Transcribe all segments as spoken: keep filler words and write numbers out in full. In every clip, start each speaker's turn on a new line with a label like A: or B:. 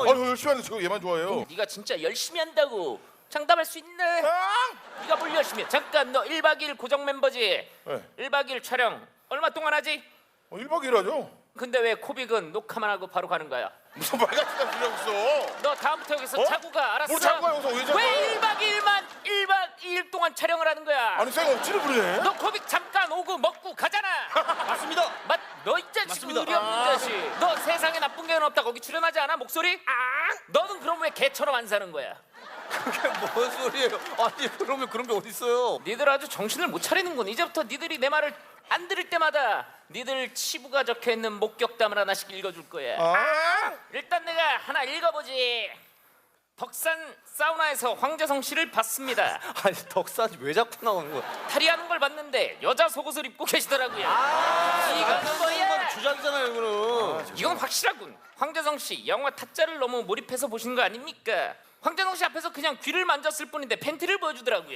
A: 아니 열심히 하는데 저 얘만 좋아해요.
B: 네가 진짜 열심히 한다고 장담할 수 있네. 네가 뭘 열심히 해. 잠깐 너 일 박 이 일 고정 멤버지?
A: 네.
B: 일 박 이 일 촬영 얼마 동안 하지?
A: 어, 일 박 이 일 하죠.
B: 근데 왜 코빅은 녹화만 하고 바로 가는 거야?
A: 무슨 말 같은 거 필요 없어.
B: 너 다음부터 여기서
A: 어?
B: 자고 가. 알았어?
A: 뭘 자고 가, 여기서 왜 자고
B: 왜
A: 가?
B: 일 박 이 일만 일 박 이 일 동안 촬영을 하는 거야?
A: 아니 쌩 억지를 부리네.
B: 너 코빅 잠깐 오고 먹고 가잖아.
C: 맞습니다.
B: 맞, 너 이 자식
C: 맞습니다.
B: 의리 없는
A: 아.
B: 자식. 너 세상에 나쁜 개는 없다. 거기 출연하지 않아? 목소리? 아! 너는 그럼 왜 개처럼 안 사는 거야?
C: 그게 뭔 소리예요? 아니 그러면 그런 게 어딨어요?
B: 니들 아주 정신을 못 차리는군. 이제부터 니들이 내 말을 안 들을 때마다 니들 치부가 적혀있는 목격담을 하나씩 읽어줄 거야.
A: 아?
B: 일단 내가 하나 읽어보지. 덕산 사우나에서 황재성 씨를 봤습니다.
C: 아니 덕산이 왜 자꾸 나오는 거야?
B: 탈의하는 걸 봤는데 여자 속옷을 입고 계시더라고요.
C: 아,
B: 이거는 뭐야?
C: 주작이잖아요 이거는.
B: 이건 확실하군. 황재성 씨 영화 타짜를 너무 몰입해서 보신 거 아닙니까? 황재성 씨 앞에서 그냥 귀를 만졌을 뿐인데 팬티를 보여주더라고요.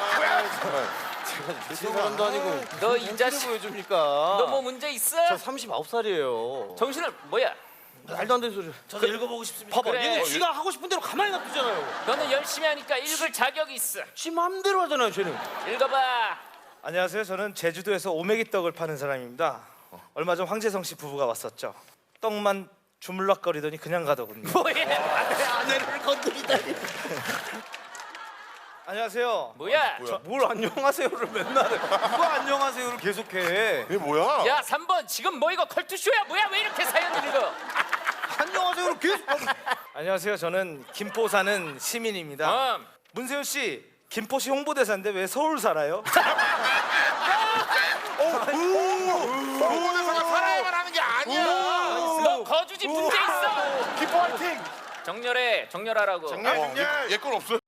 C: 제가 미친 사람도 아니고
B: 너 이 자식,
C: 보여줍니까?
B: 너 뭐 문제 있어?
C: 저 서른아홉 살이에요.
B: 정신을 뭐야?
C: 말도 안 되는 소리.
D: 저도 읽어보고 싶습니다.
C: 봐봐,
B: 그래.
C: 얘는 쥐가 하고 싶은 대로 가만히 놔두잖아요.
B: 너는 열심히 하니까 읽을 자격이 있어.
C: 쥐 마음대로 하잖아요, 쟤는.
B: 읽어봐.
D: 안녕하세요. 저는 제주도에서 오메기 떡을 파는 사람입니다. 얼마 전 황재성 씨 부부가 왔었죠. 떡만 주물럭거리더니 그냥 가더군요.
B: 뭐야?
C: 아내를 건드리다니.
D: 안녕하세요.
B: 뭐야?
A: 뭐야?
C: 뭘 안녕하세요를 맨날 해. 누가 안녕하세요를 계속해.
A: 이게 뭐야?
B: 야 삼 번 지금 뭐 이거 컬투쇼야 뭐야? 왜 이렇게 사연을 읽어?
C: 안녕하세요를 계속.
D: 안녕하세요. 저는 김포 사는 시민입니다.
B: 어.
D: 문세윤 씨, 김포시 홍보대사인데 왜 서울 살아요?
A: 홍보대사가 살아야만 하는 게 아니야.
B: 너 거주지 문제 있어.
A: 기뻐 화이팅.
B: 정렬해 정렬하라고.
A: 장난 얘건 없어요.